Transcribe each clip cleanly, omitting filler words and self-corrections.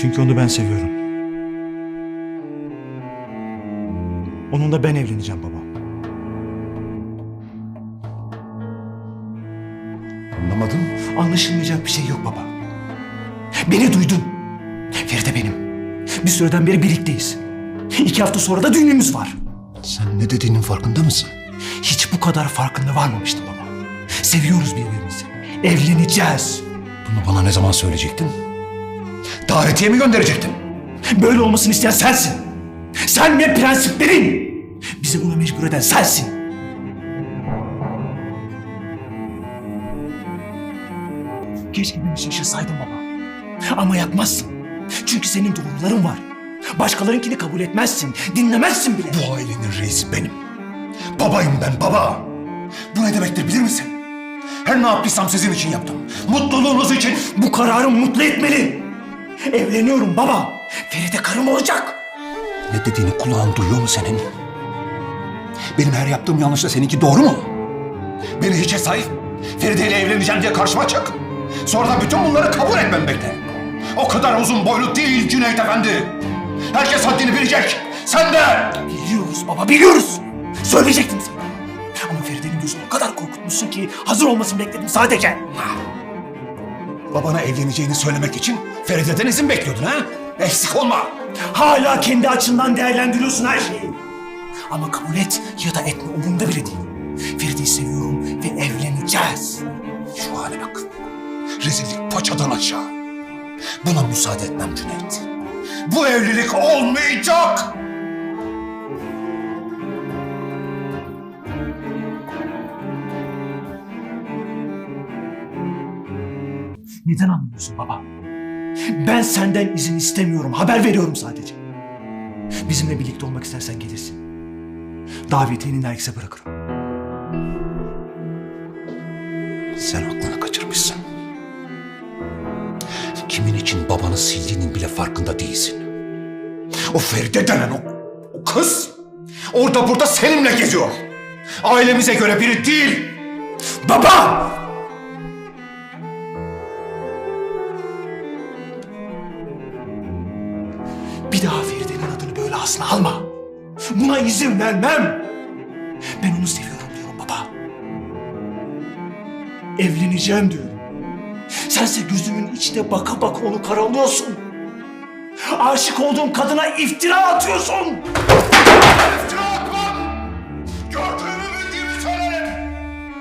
Çünkü onu ben seviyorum. Onunla ben evleneceğim baba. Anlamadım. Anlaşılmayacak bir şey yok baba. Beni duydun. Feride benim. Bir süreden beri birlikteyiz. 2 hafta sonra da düğünümüz var. Sen ne dediğinin farkında mısın? Hiç bu kadar farkında varmamıştım baba. Seviyoruz birbirimizi. Evleneceğiz. Bunu bana ne zaman söyleyecektin? Davetiye mi gönderecektin? Böyle olmasını isteyen sensin. Sen ve prensiplerin. Bizi buna mecbur eden sensin. Keşke beni şaşırsaydın baba. Ama yapmazsın. Çünkü senin doğruların var. Başkalarınkini kabul etmezsin. Dinlemezsin bile. Bu ailenin reisi benim. Babayım ben, baba. Bu ne demektir bilir misin? Her ne yaptıysam sizin için yaptım. Mutluluğunuz için. Bu kararım mutlu etmeli. Evleniyorum baba. Feride karım olacak. Ne dediğini kulağın duyuyor mu senin? Benim her yaptığım yanlışla seninki doğru mu? Beni hiçe say. Feride ile evleneceğim diye karşıma çık. Sonra da bütün bunları kabul etmem bekle. O kadar uzun boylu değil Cüneyt Efendi. Herkes haddini bilecek. Sen de. Biliyoruz baba, biliyoruz. Söyleyecektim sana. Ama Feride'nin gözünü o kadar korkutmuşsun ki hazır olmasını bekledim sadece. Babana evleneceğini söylemek için Feride'den izin bekliyordun ha? Eksik olma. Hala kendi açından değerlendiriyorsun her şeyi. Ama kabul et ya da etme umurumda bile değil. Feride'yi seviyorum ve evleneceğiz. Şu hale bak. Rezillik paçadan aşağı. Buna müsaade etmem Cüneyt. Bu evlilik olmayacak. Neden anlamıyorsun baba? Ben senden izin istemiyorum, haber veriyorum sadece. Bizimle birlikte olmak istersen gelirsin. Davetiyeni herkese bırakırım. Sen aklını kaçırmışsın. Kimin için babanı sildiğinin bile farkında değilsin. O Feride denen o kız orada burada seninle geziyor. Ailemize göre biri değil. Baba! Bir daha Feride'nin adını böyle ağzına alma. Buna izin vermem. Ben onu seviyorum diyorum baba. Evleneceğim diyorum. Sense gözümün içine baka baka onu karalıyorsun. Aşık olduğum kadına iftira atıyorsun. İftira atmam! Gördüğümü bildiğimi söylerim.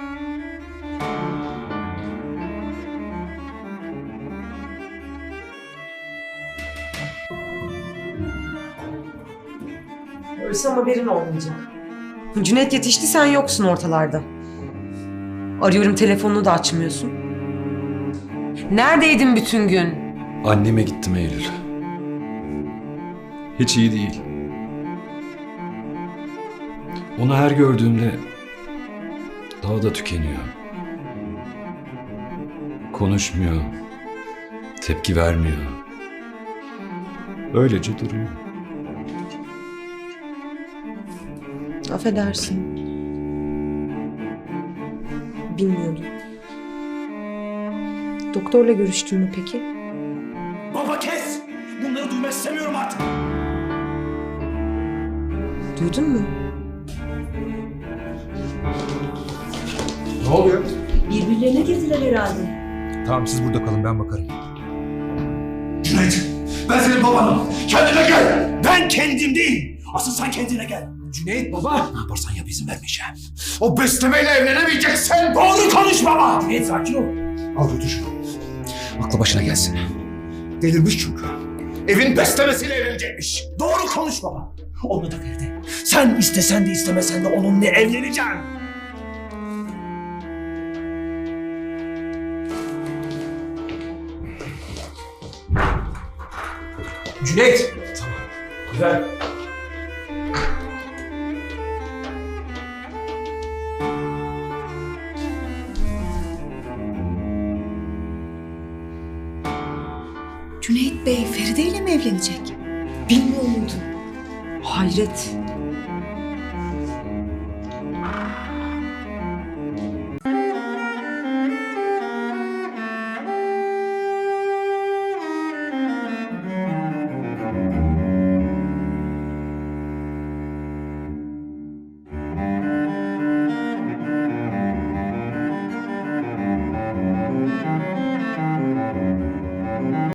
Ölsem haberin olmayacak. Cüneyt yetişti, sen yoksun ortalarda. Arıyorum, telefonunu da açmıyorsun. Neredeydin bütün gün? Anneme gittim Eylül. Hiç iyi değil. Onu her gördüğümde daha da tükeniyor. Konuşmuyor. Tepki vermiyor. Öylece duruyor. Affedersin. Bilmiyordum. Doktorla görüştün mü peki? Baba kes! Bunları duymak istemiyorum artık. Duydun mu? Ne oluyor? Birbirlerine girdiler herhalde. Tamam siz burada kalın ben bakarım. Cüneyt, ben senin babanım. Kendine gel. Ben kendim değil. Asıl sen kendine gel. Cüneyt baba. Ne yaparsan yap izin vermeyeceğim. O beslemeyle evlenemeyeceksin. Doğru konuş baba. Cüneyt sakin ol. Al götür şunu. Aklı başına gelsin. Delirmiş çünkü. Evin beslemesiyle evlenecekmiş. Doğru konuş baba. Onu da Feride. Sen istesen de istemesen de onunla evleneceğim. Cüneyt. Tamam. Güzel. Cüneyt Bey Feride ile mi evlenecek? Bilmiyor muydun? Hayret.